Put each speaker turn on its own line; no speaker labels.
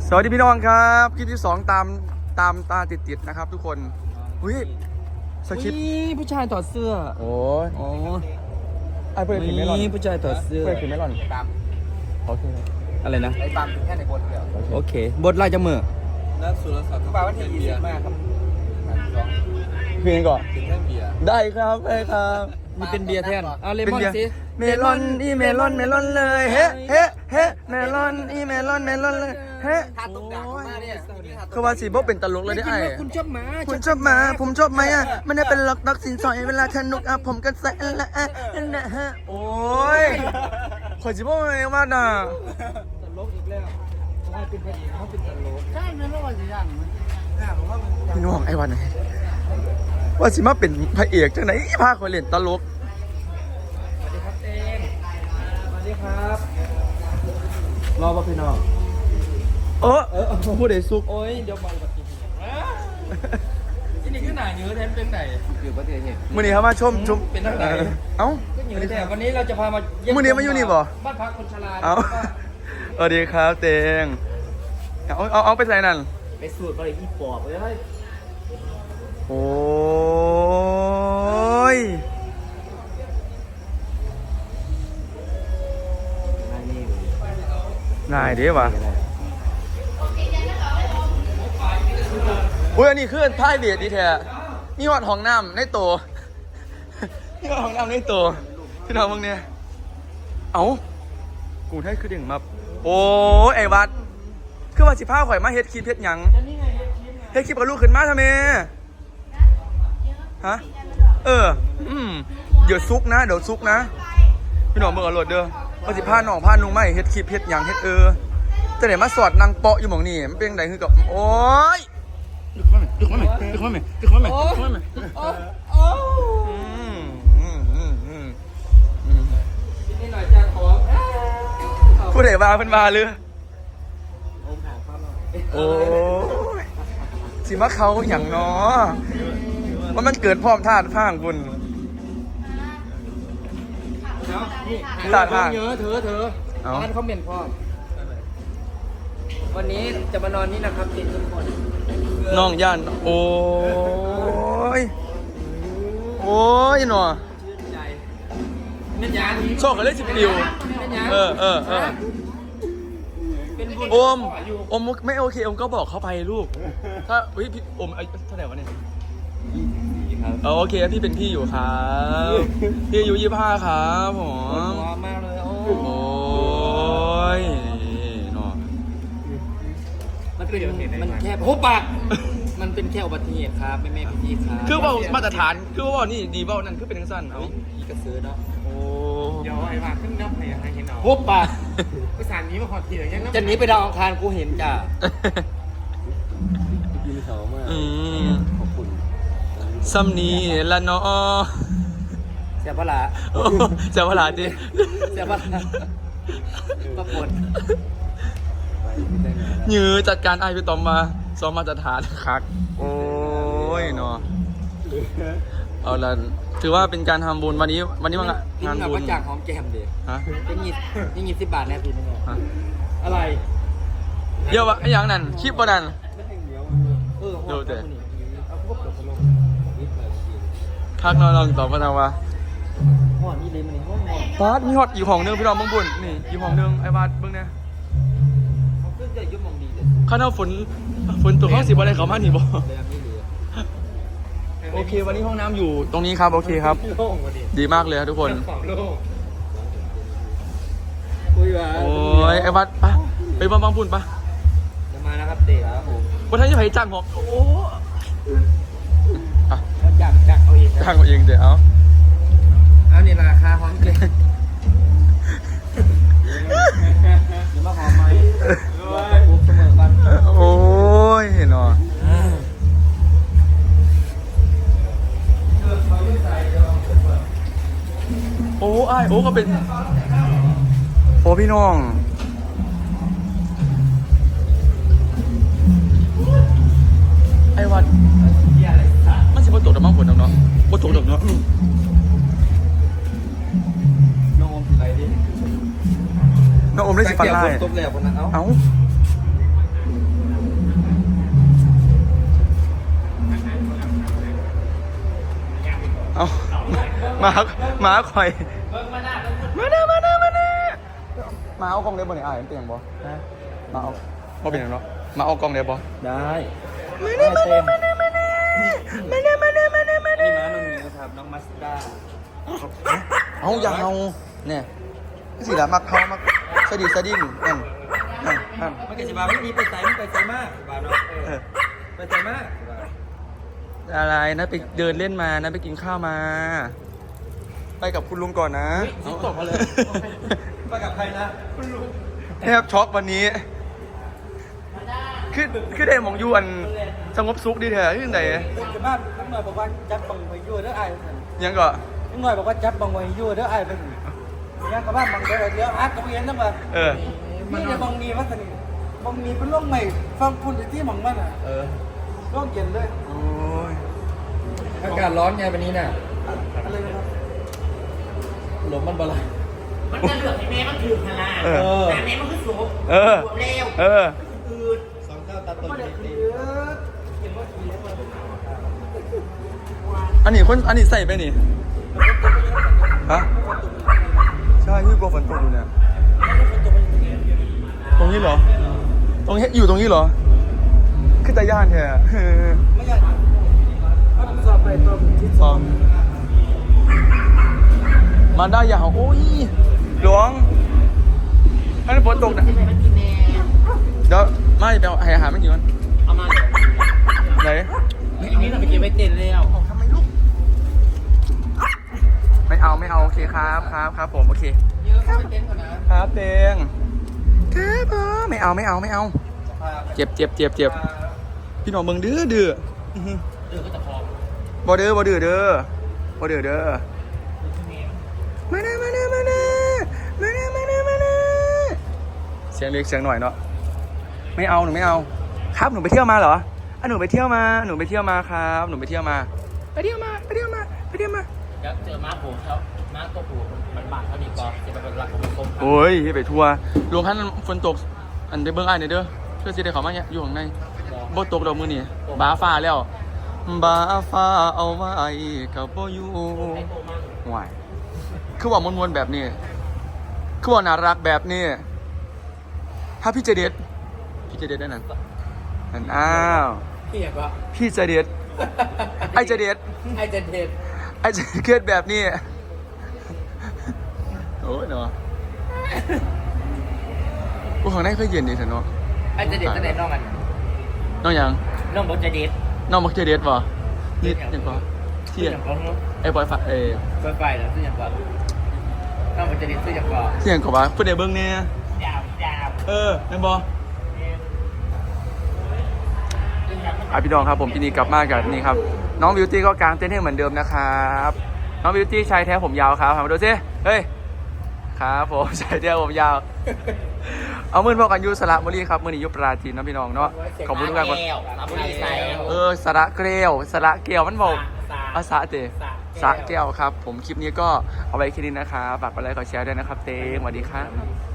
สวัสดีพี่น้องครับคลิปที่2ตามตาติดๆนะครับทุกคนอุ้ยสคริปต์
ผู้ชายถอดเสื้อ
โอ้ย
อ๋อ
ไอ้เพื่อนถึงไม่รอน
ผู้ชายถอดเสื้อ
เพื่อนถึงไม่รอนตามโอเค
อะไรนะ
ไอ้ปามถึงแค่ในบทเดียว
โอเคบทลายจมือ
นักสุรศักดิ์ปาวันที่20มากครับ
เพลงก่อน
ถึงแค่เบียร์
ได้ครับได้ครับ
มีเป็นเบียร์แทนเอาเลมอน
เป็นเบียร์
สิ
เมลอนอีเมลอนเลยเฮ้เฮ้เฮ้เมลอนอีเมลอนเลยเฮ้
ถ้าตกด่างมาเนี่ย
คือว่าสีบ่เป็นตลกเลยได้ไอ้
คุณชอบหมา
คุณชอบหมาผมชอบไหมอ่ะไม่ได้เป็นล็อกสินสอยเวลาทนุกอ่ะผมกันใส่ละนะฮะโอ้ยขอจิบ่เองว่าน่ะ
ตลกอีกแล้วเขาเป็นพระเอกเขาเป็นตลก
ใช่ไหมไม่ว่าจะยัง
พี่น้องไอ้วันไหนว่าสิมาเป็นพระเอกจังไหนพาคนเล่นตลก
สวัสดีครับเต้งสวัสดีครับรอป่ะพี่น้อง
ผู้ใดสุก
โอ้ยเดี๋ยวมาอุบัติเหตุที่นี่คือหนาเนื้อแทนเป็นไหน
อยู่ประเทศเนี่ย
มื้อนี้เขามาชม
เป็นทางไหน
เอ้า
ก็อยู่แต่วันนี้เราจะพามา
มื้อนี้มาอยู่นี่บ่
บ้านพักคนชรา
เอ้าสวัสดีครับเตงเอาไปใส่นั่น
ไปสูตรบริที่ปอบเลย
โอ้ยง่ายเด้วะอุ้ยอันนี้คือพายเบียดดีแท้นี่หอดห้องน้ำในโตนี่หอดห้องน้ำในโตพี่น้องมึงเนี่ยเอ้ากูให้คือเด่งมาโอ้ไอ้วัดคือว่าสิพาข่อยมาเฮ็ดคลิปเฮ็ดหยังเฮ็ดคลิปกับลูกขึ้นมาทำไมฮะเดี๋ยวซุกนะพี่น้องเบิ่งเอาโหลดเด้อว่าสิพาน้องพานุ่งมาเฮ็ดคลิปเฮ็ดหยังเฮ็ดจะได้มาสอดนางเปาะอยู่หม่องนี่มันเป็นจังไดคือกับโอ้ยดึกมาไหม
นี่หน่อยจานหอม
ผู้ใดว่าเพิ่นว่าหรือโอ้ยสิมาเขาหยังเนาะว่ามันเกิดพร้อมธาตุพางบุญ
ตาทางเยอะเธอร้านเขาเหม็นพ่อวันนี้จะมานอนนี่นะครับติดทุกคน
น้องย่านโอ้ยหนอ
ชื่นใจเม็ดยาง
โชคกันเลยสิปิว
เม็ดยาง เป็นบุญ
โอมไม่โอเคโอมก็บอกเขาไปลูกถ้าพี่โอมเท่าไหร่วะเนี่ยโอเคพี่เป็นพี่อยู่ครับพี่อายุ25ครับผม
ว้ามากเลยโอ้
โอ้ยหนอ
มันแค่โอ้ปากมันเป็นแค่อุบัติเหตุครับแม่พี่ครับ
คือว่ามาตรฐานคือว่านี่ดีว่านั่นคือเป็นทั้งสั้นเอา
พี่กระซื้อเนาะ
โอ้
เดี๋ยวไอ้ว่าขึ้นน้ำให้เห็นเอา
โอ้ปาก
ภาษานี้มาขอทีเลยยังน้ำ
จะหนีไปดาวอังคารกูเห็นจ้ะ
กินเขามาก
ขอบคุณซัมนีละเนาะ
เสียพละ
เจ้าพลาดิ
เสียพละปรากฏ
ยื้อจัดการไอพี่ตอมมาซ้อมมาตรฐานคักโอ้ยเนาะเอาละถือว่าเป็นการทำบุญวันนี้ว่างานบุญ
ประจักษ์หอมแก้มเด็ก
ฮะ
เป็นยี่สิบบาทแน่พี่นึง
ฮะ
อะไร
เดี๋ยววะไอ้อย่างนั้นคลิปวันนั้น ดูเถอะ คักนอนลองตอบมาทางว่า
ห่อนี่เลยมันห่อ
บาสมีฮอตอยู่ห้องนึงพี่น้องเบิ่งบุญนี่อยู่ห้องนึงไอ้บาสเบิ่งเนี่ย
เขาขึ้นจะยุ่งมองดีเลย
ข้าเอาฝนตกห้องสิบอะไรเขามาหนิบ่
เลยไม่เหลือ
โอเค วันนี้ห้องน้ำอยู่ตรงนี้ครับโอเคครับ
โล่งกว่าดิ
ดีมากเลยครับทุกคน
ของโล่ง
คุยว่า
โอ้ยไอ้บัสไปบ้างพูนปะ
จะมานะครับเด็กครับผม
วันท่านจะไปจ้างหอกโอ้อะ
จักเอาเอง
จ้างเอาเองเดี๋ยวเอา
เอานี่ราคาหอมเกินเดี๋ยวมาหอมไหมปุ๊บเสมอกัน
โอ้ยเห็นหรอโอ้ไอโอ้ก็เป็นโอ้พี่น้องไอ้วัดมันสิบ่ตกดอกมั้งฝนดอกเนาะบ่ตกดอกเนาะ
น้องอมสิไรดิ
น้องอมได้สิฟันไล่
ตบแล้วคนนั้นเอ้า
เอ้าหมาคอย
เบิ่งมาหน้าเบิ่งคุณ
มาเอากล้องเด็บบ่เนี่ยเห็นเป็นอย่างบ่
นะ
มาเอาบ่เป็นอย่างเนาะมาเอากล้องเด็บบ่
ได้มานี่มานี่น้องนิวครับน้องมัสด้า
เอาอย่าเอาเนี่ยสิละมักเฮามักสะดิดสะดิ้นนั่น
มันก็จะมาไม่มีไปใส่มันไปใส่มากบ้านเนาะไปใส่มาก
อะไรนะไปเดินเล่นมานะไปกินข้าวมา ไปกับคุณลุงก่อนนะ
ตกมาเลยไปกับใครนะคุณลุง
แทบช็อกวันนี้คือได้หมองยวนสงบสุขดีแท้ขึ้นไหน
จะบ้านน้องหน่อยบอกว่าจับบังไว้ยู่เด้อไอ้
ยังก็
น้องหน่อยบอกว่าจับบังไว้ยู่เด้อไอ้เป็นยังกับบ้านบังเดี๋ยวอาร์ตกับเย็นนะบ้าน นี่จะบังมีวัฒนีบังมีเป็นโรคใหม่ฟังคุณที่มังมันอ่ะโรคเย็นเลย
โอ้ย
อากาศร้อนไงวันนี้น่ะ
อะไรนะครับ
ลมมันบลาย
มันจะเหลือกให้แม่มันถือขนาดแต่แม่มันคือสูบสูบเร็ว อืด
สองเจ้าตาตุ่น
ไม่ได้คือเห็นว่าขี่แล้วมัน
อันนี้ใส่ไปนี่ฮะใช่ที่กลัวฝนตกอยู่เนี่ยตรงนี้เหรอตรงนี้อยู่ตรงนี้เหรอคือตาย่านแท้
ไม่ใช่ถ้าผมสอบไปตัวที่
ฟองมาได้ยาวโอ้ยหลวงถ้าฝนตกนะ
ที่ไหนมันกินแม่
เดี๋ยวมาจะไปเอาอาหารไม่กี่วัน
เอามา
ไหน
อันนี้เราไปเก็บไว้เต็นแล้ว
ทำไมลูกไม่เอาโอเคครับผมโอเค
เยอะเข้าไปเต็นก่อนนะครับ
เตงครับผมไม่เอาเจ็บพี่น้องเบิ่งดื้อ
เดือก็จะพอ
บ่ดื้อเด้อมาเสียงเล็กเสียงหน่อยเนาะไม่เอาหนูไม่เอาครับหนูไปเที่ยวมาเหรอหนูไปเที่ยวมาครับหนูไปเที่ยวมาไปเที่ยวมา
เดี๋ยวเจอม้าผูกเขาม้าตัวผูกมันบาดเท่านี้ก็จะเป็นหลักของมันคม
โอ้ยไปทัวร์ลงขั้นฝนตกอันได้เบิ่งอ้ายหน่อยเด้อเพื่อสิได้เข้ามาเนี่ยอยู่ข้างในบ่ตกดอกมื้อนี้บ้าฟ้าแล้วบ้าฟ้าเอาไว้กับบ่อยู่ห่วยคือว่ามวนๆแบบนี้คือว่าน่ารักแบบนี้ถ้าพี่เจเด็ดได้นั่นอ้าว
พี่อยากว่า
พี่เจเด็ดไอ้เจเด็ด
ไอเจนเด็ด
ไอ้เจเกิดแบบนี้โอ้ยเนาะกูข้างในเคยเย็นดีเถอะเนาะ
ไอเจนเด็ดตั้งแต่น้องมัน
น้องหยัง
น้องบอกจะเด็ด
น้องมักเจเด็ดป่ะนี่ยังป่ะเที่ยง
อย่างของน้อง
ไอ้บอยฝาก
ไปแล้วซื้ออย่างก่อนน้องบอกจะเด็ดซื้ออย่างก่อน
เที่ยงกว่าเพื่อนได้เบิ้งเนี่ย
ยาว
แม่นบอพี่น้องครับผมที่นี่กลับมากับนี่ครับน้องบิวตี้ก็กางเต้นให้เหมือนเดิมนะครับน้องบิวตี้ชายแท้ผมยาวครับมาดูสิเฮ้ยครับผมชายแท้ผมยาวเอามือพอกันยูสระบุรีครับมือนี้ยุปราจีนนะพี่น้องเนาะขอบคุณทุกท่านก่อนสระเกลียวมันบอกภาษาเตะสระแก้วครับผมคลิปนี้ก็เอาไว้แค่นี้นะครับฝากกดไลค์กดแชร์ด้วยนะครับเต้สวัสดีครับ